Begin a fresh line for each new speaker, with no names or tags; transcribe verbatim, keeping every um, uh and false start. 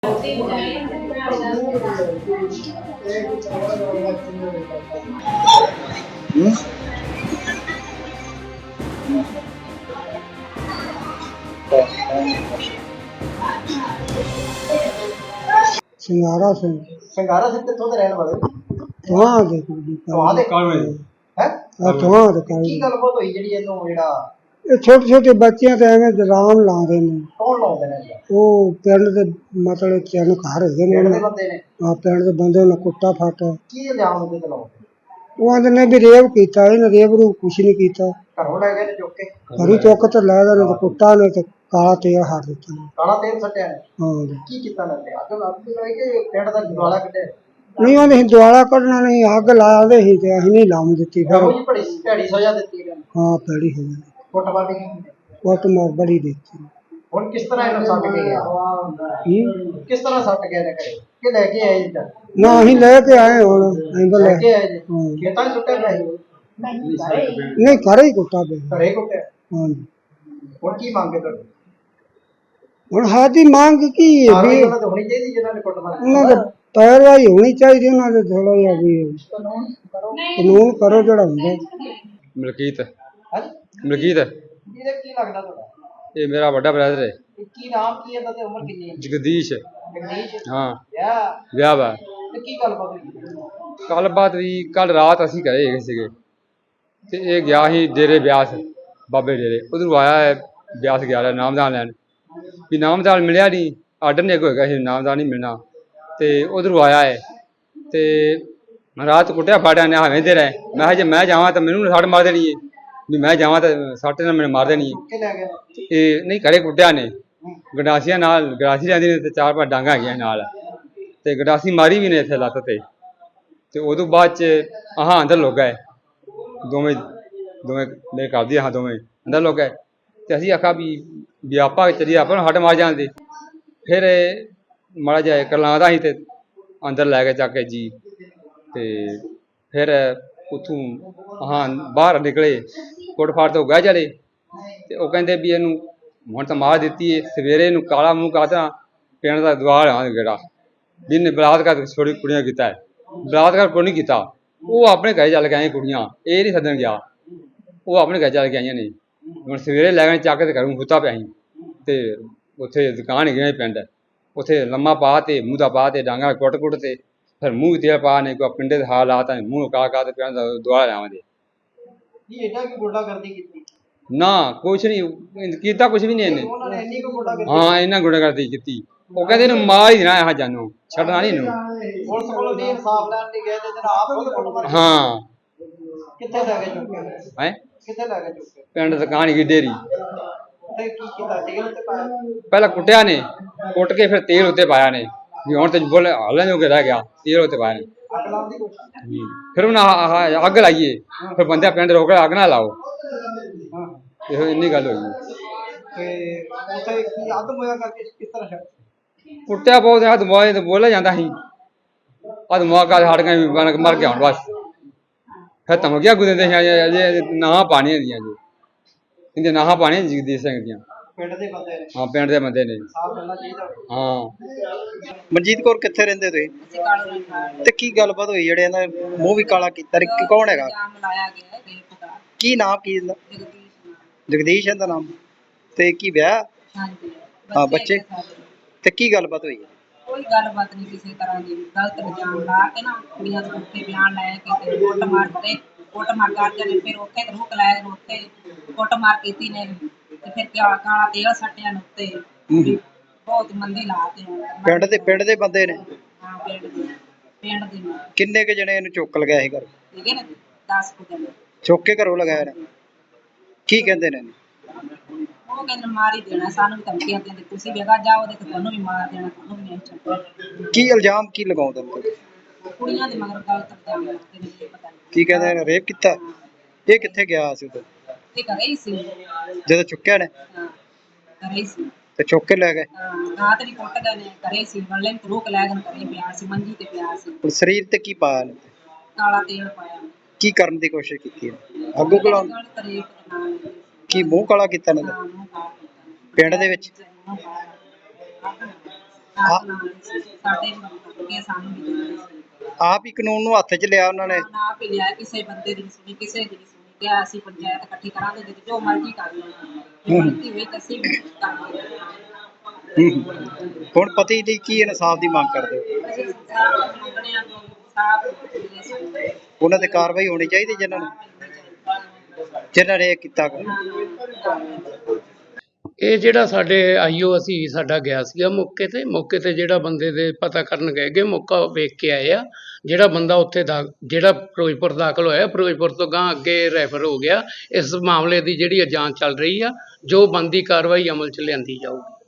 ਸਿੰਘਾਰਾ ਸਿੰਘ
ਸਿੰਘਾਰਾ ਸਿੰਘ ਕਿੱਥੋਂ ਦੇ ਰਹਿਣ ਵਾਲੇ?
ਤੁਹਾਂ ਦੇ
ਤੁਹਾਂ ਦੇ ਹੈ
ਤੁਹਾਂ ਦੇ
ਕੀ ਗੱਲਬਾਤ ਹੋਈ ਜਿਹੜੀ ਇਹਨੂੰ ਜਿਹੜਾ
ਇਹ ਛੋਟੇ ਛੋਟੇ ਬੱਚਿਆਂ ਤੇ ਐਵੇਂ ਦਰਾਮ ਲਾਉਂਦੇ ਨੇ।
ਕੌਣ ਲਾਉਂਦੇ ਨੇ?
ਉਹ ਪਿੰਡ ਦੇ ਮਤਲਬ ਤਿੰਨ ਘਰ ਹੈਗੇ ਨੇ,
ਪਿੰਡ ਦੇ ਬੰਦੇ ਨੇ।
ਹਾਂ ਪਿੰਡ ਦੇ ਬੰਦੇ ਨੇ ਕੁੱਟਾ ਫਾਟਾ।
ਕੀ ਇਲਜ਼ਾਮ ਉਹਦੇ ਤੇ ਲਾਉਂਦੇ?
ਉਹ ਆਂਦੇ ਨੇ ਵੀ ਰੇਪ ਕੀਤਾ, ਇਹਨੇ ਰੇਪ ਨੂੰ ਕੁਛ ਨਹੀਂ ਕੀਤਾ।
ਘਰੋਂ ਲੈ ਗਏ ਨੇ ਚੁੱਕ ਕੇ?
ਘਰੀ ਚੁੱਕ ਤੇ ਲੈ ਗਏ ਨੇ ਤੇ ਕੁੱਟਾ ਨੇ ਤੇ ਕਾਲਾ ਤੇਲ ਹੱਥ ਦਿੱਤਾ ਨੇ।
ਕਾਲਾ ਤੇਲ ਸੱਟਿਆ ਨੇ?
ਹਾਂ
ਕੀ ਕੀਤਾ ਨੇ? ਅੱਗ ਲੱਗ ਗਈ ਕਿ ਪਿੰਡ ਦਾ ਦੁਆਲਾ ਕੱਢਿਆ?
ਨਹੀਂ ਉਹਨੇ ਦੁਆਲਾ ਕੱਢਣਾ ਨਹੀਂ, ਅੱਗ ਲਾ ਦੇ ਸੀ ਤੇ ਅਸੀਂ ਨਹੀਂ ਲਾਉਣ ਦਿੱਤੀ। ਫਿਰ
ਉਹ ਜੀ ਬੜੀ ਭੈੜੀ ਸਜ਼ਾ ਦਿੱਤੀ ਇਹਨਾਂ ਨੂੰ।
ਹਾਂ ਭੈੜੀ ਹੋ ਗਈ,
ਕੁੱਟਮਾਰ ਵੀ ਕੀਤੀ?
ਕੁੱਟ ਮਾਰ ਬੜੀ ਦਿੱਤੀ।
ਹੁਣ ਕਿਸ ਤਰ੍ਹਾਂ ਇਹਨੂੰ ਸੱਟ ਕੇ ਗਿਆ?
ਹੂੰ
ਕਿਸ ਤਰ੍ਹਾਂ ਸੱਟ ਗਿਆ ਨੇ ਘਰੇ ਕਿ ਲੈ ਕੇ ਆਏ ਜੀ?
ਨਾ ਅਸੀਂ ਲੈ ਕੇ ਆਏ, ਹੁਣ ਅਸੀਂ ਤਾਂ
ਲੈ
ਲੈ
ਕੇ ਆਏ ਜੀ?
ਹਾਂ।
ਖੇਤਾਂ 'ਚ ਸੁੱਟਿਆ ਪਿਆ ਸੀ?
ਨਹੀਂ ਘਰੇ ਹੀ ਕੁੱਟਾ ਪਿਆ।
ਘਰੇ ਕੁੱਟਿਆ?
ਹਾਂਜੀ।
ਹੁਣ ਕੀ ਮੰਗੇ ਤੁਹਾਡੀ?
ਹੁਣ ਸਾਡੀ ਮੰਗ ਕੀ ਹੈ
ਕਾਰਵਾਈ
ਵੀ
ਉਹਨਾਂ ਤੇ ਹੋਣੀ ਚਾਹੀਦੀ ਜਿਹਨਾਂ ਨੇ ਕੁੱਟਮਾਰ ਕੀਤੀ?
ਉਹਨਾਂ ਦੇ ਪੈਰਵਾਈ ਹੋਣੀ ਚਾਹੀਦੀ, ਉਹਨਾਂ ਦੇ ਥੋੜਾ ਜਿਹਾ ਵੀ ਕਾਨੂੰਨ ਕਰੋ ਜਿਹੜਾ ਹੁੰਦਾ।
ਮਲਕੀਤ
ਹਾਂਜੀ
ਮਲਕੀਤ
ਇਹਦਾ ਕੀ ਲੱਗਦਾ ਤੁਹਾਡਾ?
ਇਹ ਮੇਰਾ ਵੱਡਾ ਬ੍ਰਦਰ ਹੈ।
ਇਹ ਕੀ ਨਾਮ ਕੀ ਹੈ ਤੇ ਉਮਰ ਕਿੰਨੀ ਹੈ?
ਜਗਦੀਸ਼।
ਜਗਦੀਸ਼?
ਹਾਂ
ਵਿਆਹ?
ਵਿਆਹ ਵਾ।
ਤੇ ਕੀ ਗੱਲਬਾਤ ਹੋਈ?
ਗੱਲਬਾਤ ਵੀ ਕੱਲ ਰਾਤ ਅਸੀਂ ਘਰੇ ਹੈਗੇ ਸੀਗੇ ਤੇ ਇਹ ਗਿਆ ਸੀ ਡੇਰੇ ਬਿਆਸ, ਬਾਬੇ ਡੇਰੇ। ਉਧਰੋਂ ਆਇਆ ਹੈ ਬਿਆਸ ਗਿਆ ਰਿਹਾ ਨਾਮਦਾਨ ਲੈਣ, ਵੀ ਨਾਮਦਾਨ ਮਿਲਿਆ ਨਹੀਂ, ਆਰਡਰ ਨਹੀਂ ਅੱਗੋਂ ਹੈਗਾ ਸੀ ਨਾਮਦਾਨ ਨਹੀਂ ਮਿਲਣਾ। ਤੇ ਉਧਰੋਂ ਆਇਆ ਹੈ ਤੇ ਰਾਤ ਕੁੱਟਿਆ ਫਾੜਿਆ ਨੇ ਹਵੇਂ ਦੇ ਰਹੇ। ਮੈਂ ਕਿਹਾ ਜੇ ਮੈਂ ਜਾਵਾਂ ਤਾਂ ਮੈਨੂੰ ਸੱਟ ਮਾਰ ਦੇਣੀ ਹੈ, ਵੀ ਮੈਂ ਜਾਵਾਂ ਤਾਂ ਸੱਟ ਨਾਲ ਮੈਨੂੰ ਮਾਰ ਦੇਣੀ ਹੈ।
ਕਿ ਲੈ ਗਏ?
ਇਹ ਨਹੀਂ ਘਰੇ ਕੁੱਟਿਆ ਨੇ, ਗੰਡਾਸੀਆਂ ਨਾਲ ਗੰਡਾਸੀ ਰਹਿੰਦੀ ਨੇ ਤੇ ਚਾਰ ਪੰਜ ਡਾਂਗਾਂ ਹੈਗੀਆਂ ਨਾਲ, ਤੇ ਗੰਡਾਸੀ ਮਾਰੀ ਵੀ ਨੇ ਇੱਥੇ ਲੱਤ ਤੇ। ਤੇ ਉਦੋਂ ਬਾਅਦ 'ਚ ਆਹ ਅੰਦਰ ਲੁੱਕ ਗਏ ਦੋਵੇਂ ਦੋਵੇਂ ਮੇਰੇ ਘਰ ਦੀ ਆਹ ਦੋਵੇਂ ਅੰਦਰ ਲੁੱਕ ਗਏ। ਤੇ ਅਸੀਂ ਆਖਿਆ ਵੀ ਵੀ ਆਪਾਂ ਚੱਲੀਏ, ਆਪਾਂ ਨੂੰ ਹੱਟ ਮਾਰ ਜਾਂਦੇ। ਫਿਰ ਮਾੜਾ ਜਿਹਾ ਕਰਲਾਉਂਦਾ ਸੀ ਤੇ ਅੰਦਰ ਲੈ ਕੇ ਚੱਕ ਕੇ ਜੀ। ਤੇ ਫਿਰ ਉੱਥੋਂ ਹਾਂ ਬਾਹਰ ਨਿਕਲੇ, ਕੁੱਟ ਫਾੜ ਤੋਂ ਗਏ ਚਲੇ। ਤੇ ਉਹ ਕਹਿੰਦੇ ਵੀ ਇਹਨੂੰ ਹੁਣ ਤਾਂ ਮਾਰ ਦਿੱਤੀ ਹੈ, ਸਵੇਰੇ ਇਹਨੂੰ ਕਾਲਾ ਮੂੰਹ ਕਰਦਾ ਪਿੰਡ ਦਾ ਦੁਆਰ ਆ ਗੇੜਾ ਵੀ ਇਹਨੇ ਬਲਾਤਕਾਰ ਛੋਟੀ ਕੁੜੀਆਂ ਕੀਤਾ ਹੈ। ਬਲਾਤਕਾਰ ਕੋਈ ਨਹੀਂ ਕੀਤਾ, ਉਹ ਆਪਣੇ ਘਰੇ ਚੱਲ ਕੇ ਆਈਆਂ ਕੁੜੀਆਂ, ਇਹ ਨਹੀਂ ਸੱਦਣ ਗਿਆ, ਉਹ ਆਪਣੇ ਘਰ ਚੱਲ ਕੇ ਆਈਆਂ ਨੇ। ਹੁਣ ਸਵੇਰੇ ਲੈ ਗਏ ਚੱਕ ਕੇ ਤੇ ਘਰੋਂ ਹੁੱਤਾ ਪਿਆ ਸੀ। ਤੇ ਉੱਥੇ ਦੁਕਾਨ ਹੈਗੀ ਪਿੰਡ, ਉੱਥੇ ਲੰਮਾ ਪਾ ਤੇ ਮੂੰਹ ਦਾ ਪਾ ਤੇ ਡਾਂਗਾ ਕੁੱਟ ਕੁੱਟ ਤੇ ਫਿਰ ਮੂੰਹ ਤੇਲ ਪਾ ਨੇ ਕੋਈ ਪਿੰਡੇ ਦੇ ਹਾਲ ਆ ਤਾਂ ਮੂੰਹ ਕਾ ਕਾ ਤੇ ਪਿੰਡ ਦਾ ਦੁਆਰ ਆਵਾਂਗੇ।
ਇਹ ਇਹਦਾ ਕੀ ਗੁੰਡਾਗਰਦੀ ਕੀਤੀ?
ਨਾ ਕੁਛ ਨਹੀਂ ਕੀਤਾ, ਕੁਛ ਵੀ ਨਹੀਂ ਇਹਨੇ।
ਉਹਨਾਂ ਨੇ ਇੰਨੀ ਕੁ ਗੁੰਡਾਗਰਦੀ?
ਹਾਂ ਇਹਨਾਂ ਗੁੰਡਾਗਰਦੀ ਕੀਤੀ। ਉਹ ਕਹਿੰਦੇ ਇਹਨੂੰ ਮਾਰ ਹੀ ਦੇਣਾ ਇਹ ਜਾਨੋਂ, ਛੱਡਣਾ ਨਹੀਂ ਇਹਨੂੰ।
ਪੁਲਿਸ ਕੋਲ ਵੀ ਇਨਸਾਫ ਲੈਣ ਲਈ ਗਏ ਤੇ ਜਨਾਬ ਆਪ ਖੁਦ ਕੁੱਟਮਾਰ ਕੀਤੀ?
ਹਾਂ।
ਕਿੱਥੇ ਲੈ ਗਏ ਚੁੱਕ ਕੇ?
ਹੈ
ਕਿੱਥੇ ਲੈ ਗਏ ਚੁੱਕ ਕੇ?
ਪਿੰਡ ਦੁਕਾਨ ਹੈਗੀ ਡੇਰੀ।
ਤੇ ਕੀ ਕੀਤਾ? ਤੇਲ ਤੇ ਪਾਇਆ?
ਪਹਿਲਾਂ ਕੁੱਟਿਆ ਨੇ, ਕੁੱਟ ਕੇ ਫਿਰ ਤੇਲ ਉੱਤੇ ਪਾਇਆ ਨੇ ਵੀ ਹੁਣ ਤੇ ਬੋਲੇ ਹਾਲਾਂ ਜੋ ਕੇ ਰਹਿ ਗਿਆ, ਤੇਲ ਉੱਤੇ ਪਾਇਆ ਨੇ।
ਅੱਗ ਲਾਉਣ ਦੀ ਕੋਸ਼ਿਸ਼?
ਫਿਰ ਉਹਨਾਂ ਆਹ ਅੱਗ ਲਾਈਏ, ਫਿਰ ਬੰਦੇ ਪਿੰਡ ਰੋਕ ਕੇ ਅੱਗ ਨਾ ਲਾਓ।
ਹਾਂ।
ਇਹੋ ਇੰਨੀ ਗੱਲ ਹੋਈ।
ਤੇ ਉੱਥੇ ਕੀ ਅੱਧ ਮੋਇਆ ਕਰਕੇ ਕਿਸ ਤਰ੍ਹਾਂ ਛੱਡ?
ਕੁੱਟਿਆ ਬਹੁਤ ਹੱਥ ਮੋਏ ਤੇ ਬੋਲਿਆ ਜਾਂਦਾ ਸੀ, ਹੱਥ ਮੁਆ ਕਰ ਹਟ ਗਏ ਮਰ ਗਿਆ ਹੁਣ ਬਸ। ਫਿਰ ਧਮਕੀਆਂ ਗੁੱਦੇ ਸੀ ਨਾਹਾਂ ਪਾਣੀਆਂ ਦੀਆਂ ਜੀ, ਇਹਦੇ ਨਾਹਾਂ ਪਾਣੀਆਂ ਜਗਦੀਸ਼ ਸਿੰਘ ਦੀਆਂ।
ਪਿੰਡ ਦੇ ਬੰਦੇ ਨੇ?
ਹਾਂ ਪਿੰਡ ਦੇ ਬੰਦੇ ਨੇ।
ਸਾਫ ਮਿਲਣਾ ਚਾਹੀਦਾ।
ਹਾਂ।
ਮਨਜੀਤ ਕੌਰ ਕਿੱਥੇ ਰਹਿੰਦੇ ਤੁਸੀਂ? ਤੇ ਕੀ ਗੱਲਬਾਤ ਹੋਈ ਜਿਹੜੇ ਇਹਨਾਂ ਮੂੰਹ ਵੀ ਕਾਲਾ ਕੀਤਾ? ਕੌਣ ਹੈਗਾ? ਕੀ ਨਾਮ ਕੀ ਇਹਦਾ? ਜਗਦੀਸ਼ ਇਹਦਾ ਨਾਮ। ਤੇ ਕੀ ਵਿਆਹ? ਹਾਂ ਬੱਚੇ? ਤੇ ਕੀ ਗੱਲਬਾਤ ਹੋਈ?
ਕੋਈ ਗੱਲਬਾਤ ਨਹੀਂ ਕਿਸੇ ਤਰ੍ਹਾਂ ਦੀ, ਗਲਤ ਇਲਜ਼ਾਮ ਲਾ ਕੇ ਨਾ ਕੁੜੀਆਂ ਦੇ ਉੱਤੇ ਬਿਆਨ ਲੈ ਕੇ ਕੁੱਟ ਮਾਰ ਕੇ ਕੁੱਟ ਮਾਰ ਕਰਦੇ ਨੇ। ਫਿਰ ਉੱਥੇ ਰੁਕ ਲਾਇਆ, ਉੱਥੇ ਕੁੱਟ ਮਾਰ ਕੀਤੀ ਨੇ ਤੇ ਫਿਰ ਕਾਲਾ ਤੇਲ ਸੱਟਿਆ ਨੇ ਉੱਤੇ। ਬਹੁਤ ਮੰਦੀ ਲਾਤ ਹੈ।
ਪਿੰਡ ਦੇ ਪਿੰਡ ਦੇ ਬੰਦੇ ਨੇ?
ਹਾਂ ਪਿੰਡ ਦੇ ਪਿੰਡ ਦੇ ਨੇ।
ਕਿੰਨੇ ਕੁ ਜਣੇ ਇਹਨੂੰ ਚੁੱਕ ਲਗਾਇਆ ਸੀ ਘਰ?
ਠੀਕ ਨੇ ਦਸ ਕੁ ਜਣੇ
ਚੁੱਕ ਕੇ ਘਰੋਂ ਲਗਾਇਆ ਨੇ? ਕੀ ਕਹਿੰਦੇ ਨੇ?
ਉਹ ਕਹਿੰਦੇ ਮਾਰ ਹੀ ਦੇਣਾ, ਸਾਨੂੰ ਵੀ ਧਮਕੀਆਂ ਦਿੰਦੇ, ਤੁਸੀਂ ਵੀ ਅਗਾ ਜਾਓ ਤੇ ਤੁਹਾਨੂੰ ਵੀ ਮਾਰ ਦੇਣਾ, ਤੁਹਾਨੂੰ ਵੀ ਨਹੀਂ ਛੱਡਣਾ।
ਕੀ ਇਲਜ਼ਾਮ ਕੀ ਲਗਾਉਂਦੇ ਨੇ?
ਕੁੜੀਆਂ ਦੇ ਮਗਰ ਗਲਤ ਇਲਜ਼ਾਮ ਲਾਉਂਦੇ ਨੇ। ਪਤਾ ਨਹੀਂ
ਕੀ ਕਹਿੰਦੇ ਨੇ? ਰੇਪ ਕੀਤਾ? ਇਹ ਕਿੱਥੇ ਗਿਆ ਸੀ ਉਦੋਂ
ਇਹ ਘਰੇ ਹੀ ਸੀ
ਜਦੋਂ ਚੁੱਕਿਆ ਨੇ?
ਹਾਂ ਘਰੇ ਹੀ ਸੀ।
ਤੇ ਚੁੱਕ ਕੇ ਲੈ ਗਏ?
ਹਾਂ ਰਾਤ ਨਹੀਂ ਕੁੱਟ ਗਏ ਨੇ, ਘਰੇ ਸੀ ਵੱਲੇ ਰੋਕ ਲੈ ਗਏ, ਘਰੇ ਪਿਆ ਸੀ ਮੰਜੀ ਤੇ ਪਿਆ ਸੀ।
ਹੁਣ ਸਰੀਰ ਤੇ ਕੀ ਪਾਇਆ ਨੇ?
ਕਾਲਾ ਤੇਲ ਪਾਇਆ।
ਕੀ ਕਰਨ ਦੀ ਕੋਸ਼ਿਸ਼ ਕੀਤੀ ਹੈ? ਅੱਗੋਂ ਕੋਲ ਕੀ ਮੂੰਹ ਕਾਲਾ ਕੀਤਾ ਨੇ? ਪਿੰਡ ਦੇ ਵਿੱਚ?
ਜਾਤ ਨਾਲ ਸੀ, ਸਾਡੇ ਅੱਗੇ ਸਾਨੂੰ ਵੀ ਦਿੰਦੇ ਸੀ।
ਆਪ ਹੀ ਕਾਨੂੰਨ ਨੂੰ ਹੱਥ 'ਚ ਲਿਆ ਉਹਨਾਂ ਨੇ।
ਨਾ ਆਪ ਹੀ ਲਿਆ, ਕਿਸੇ ਬੰਦੇ ਦੀ ਨਹੀਂ ਸੁਣੀ, ਕਿਸੇ ਦੀ ਨਹੀਂ ਸੁਣੀ। ਕਿਹਾ ਅਸੀਂ ਪੰਚਾਇਤ ਇਕੱਠੀ ਕਰਾਂਗੇ ਤੇ ਜੋ ਮਰਜ਼ੀ ਕਰ ਲਓ, ਜੇ ਗਲਤੀ ਹੋਈ ਤਾਂ ਅਸੀਂ ਵੀ ਕਰਾਂਗੇ।
ਹੁਣ ਪਤੀ ਦੀ ਕੀ ਇਨਸਾਫ ਦੀ ਮੰਗ ਕਰਦੇ ਹੋ?
ਅਸੀਂ ਇਨਸਾਫ਼ ਮੰਗਦੇ ਹਾਂ, ਇਨਸਾਫ਼ ਮਿਲੇ ਸਾਨੂੰ।
ਉਹਨਾਂ ਤੇ ਕਾਰਵਾਈ ਹੋਣੀ ਚਾਹੀਦੀ ਜਿਨ੍ਹਾਂ ਨੇ ਜਿਨ੍ਹਾਂ ਨੇ ਇਹ ਕੀਤਾ ਗਾ।
ਇਹ ਜਿਹੜਾ ਸਾਡੇ ਆਈਓ ਅਸੀਂ ਸਾਡਾ ਗਿਆ ਸੀਗਾ ਮੌਕੇ ਤੇ ਮੌਕੇ ਤੇ ਜਿਹੜਾ ਬੰਦੇ ਦੇ ਪਤਾ ਕਰਨ ਗਏ ਗੇ, ਮੌਕਾ ਵੇਖ ਕੇ ਆਏ ਆ। ਜਿਹੜਾ ਬੰਦਾ ਉੱਥੇ ਦਾ ਜਿਹੜਾ ਫਿਰੋਜ਼ਪੁਰ ਦਾਖਲ ਹੋਇਆ, ਫਿਰੋਜ਼ਪੁਰ ਤੋਂ ਗਾਂ ਅੱਗੇ ਰੈਫਰ ਹੋ ਗਿਆ। ਇਸ ਮਾਮਲੇ ਦੀ ਜਿਹੜੀ ਜਾਂਚ ਚੱਲ ਰਹੀ ਆ, ਜੋ ਬਣਦੀ ਕਾਰਵਾਈ ਅਮਲ 'ਚ ਲਿਆਂਦੀ ਜਾਊਗੀ।